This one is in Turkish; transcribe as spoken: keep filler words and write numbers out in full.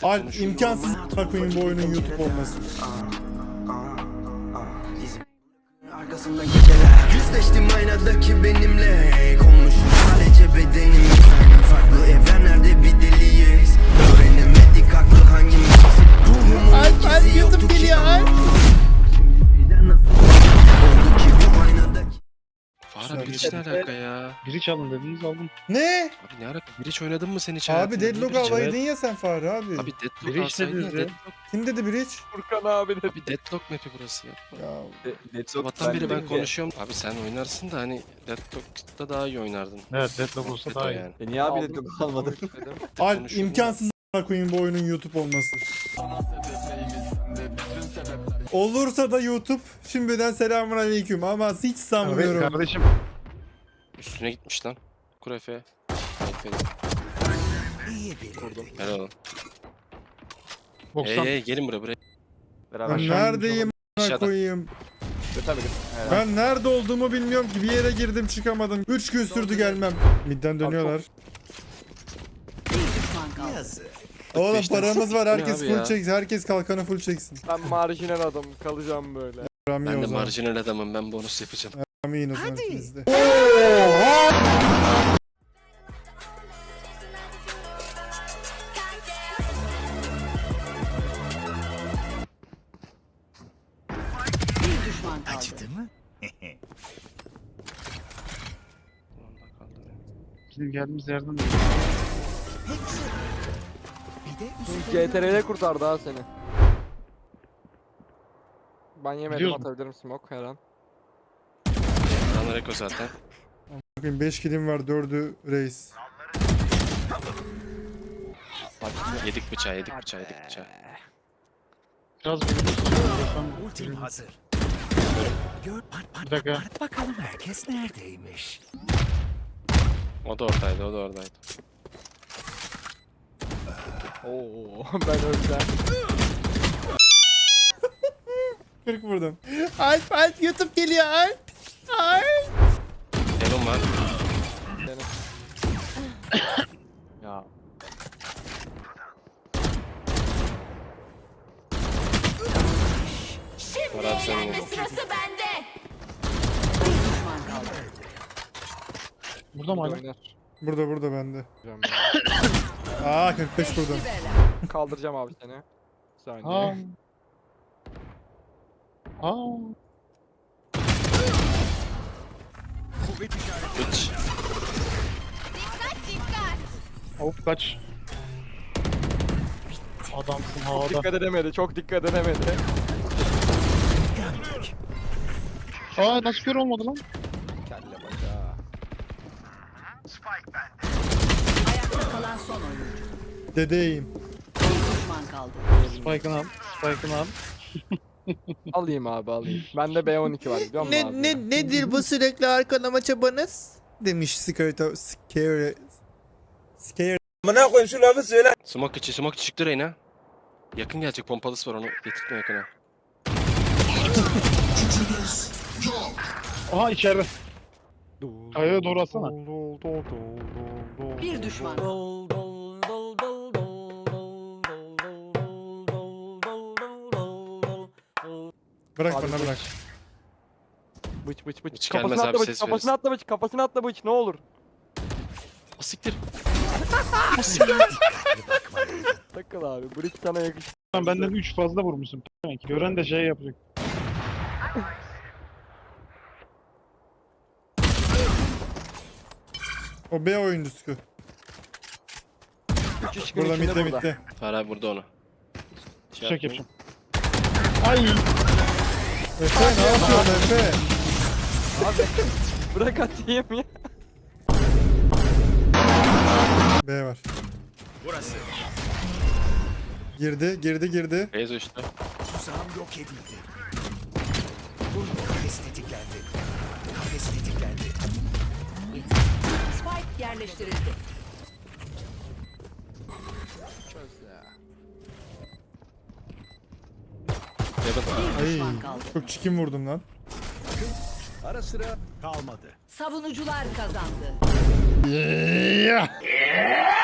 Alp imkansız koyayım bu oyunun YouTube olması. Arkasında geceler yüzleştim aynadaki benimle. Konmuşum sadece bedenim. Farklı evrenlerde bir deliyiz. Öğrenemedik aklı hangimiz. Ruhumun ikisi yoktu ki. Birden nasıl oldu ki bu aynadaki. Fahra bir iç ne alaka ya? Biri çalın dediniz aldım. Ne? Abi ne alaka? Bir iç oynadın mı sen hiç Abi hayatında? Deadlock Niye bir iç- alaydın ya sen Fahri abi. Abi Deadlock Biri iç alsaydın ya dediniz ya. Deadlock. Kim dedi Bridge? Furkan abi de. Abi Deadlock map'i burası ya. Ya Sabahtan beri ben konuşuyorum. Abi sen oynarsın da hani Deadlock'ta daha iyi oynardın. Evet deadlock olsa daha iyi. Yani. E niye abi de almadın? Alp imkansız koyayım bu oyunun YouTube olması. Olursa da YouTube şimdiden selamun aleyküm ama hiç Evet sanmıyorum. kardeşim. Üstüne gitmiş lan. Kurefe. Kurdum. Helal olsun. Hey doksan. hey gelin buraya buraya. Beraber. Ben neredeyim a**ına Aşağıda. koyayım? Tabii ki. Ben nerede olduğumu bilmiyorum ki, bir yere girdim çıkamadım. üç gün sürdü gelmem. Midden dönüyorlar. Oğlum paramız var, herkes abi full ya? çeksin. Herkes kalkanı full çeksin. Ben marjinal adamım kalacağım böyle. Rami Ben o de zaman. marjinal adamım, ben bonus yapacağım. Rami yine o zaman ikiniz de. Bir düşman kaldı. Acıdı mı? Bizim geldiğimiz yerden de. Bir de G T R'de kurtardı ha seni. Ben yemedim, Biliyorsun. atabilirim smoke her an. Lan Reko zaten. Bakın beş kilim var, dördü reis. Yedik bıçağı, yedik bıçağı, yedik bıçağı. Biraz bir ultim hazır. Gör, pat pat Bir dakika. pat pat bakalım herkes neredeymiş. O da oradaydı, o da oradaydı. Oo ben öleceğim. kırk vurdum. Alp Alp YouTube geliyor Alp. Alp. Elon var. Ya. Var abi senin yolun. Sırası bende. Bir düşman kaldı. burada mı hala? Oynar. Burada burada bende. Hocam Aa kırk beş vurdum. ya. Kaldıracağım abi seni. Bir Aa. saniye. Aa. Hiç. Hop kaç. Adamsın havada. Dikkat edemedi, çok dikkat edemedi. Aa nasıl kör olmadı lan? Kelle bacağı. Ayakta kalan son oyuncu. Dedeyim. Bir düşman kaldı. Spike'ını al. Spike'ını al. Alayım abi alayım. Bende B on iki var biliyor musun abi? Ne, nedir bu sürekli arkalama çabanız? Demiş Scare Scare Scare. Smoke içi, smoke içi çıktı Reyna. Yakın gelecek, pompalısı var, onu getirtme yakına. Aha içeride. Kayaya doğru atsana. Bir düşman. Bırak Abi bana bu- bırak. Bıç bıç bıç. Hiç Kafasına gelmez atla abi, bıç, ses kafasına verirsin. atla bıç, kafasına atla bıç ne olur. O siktir. Takıl abi, bıç sana yakışır. Lan benden üç fazla vurmuşsun. Gören de şey yapacak. O B oyuncusu. Üç üç gün Burada içinde mitte burada. mitte. Fahra abi burada onu. Şey Çek yapmayın. yapacağım. Ay. Efe ne yapıyorsun Efe? Abi bırak atayım ya. B var. Burası. Girdi girdi girdi. Beyaz işte. Tuzağım yok edildi. Bu kafes tetiklendi. Kafes tetiklendi. Spike yerleştirildi. Çöz ya. Evet. Bir Ay düşman kaldı. çok çikin vurdum lan. Ara sıra kalmadı. Savunucular kazandı. Yeah.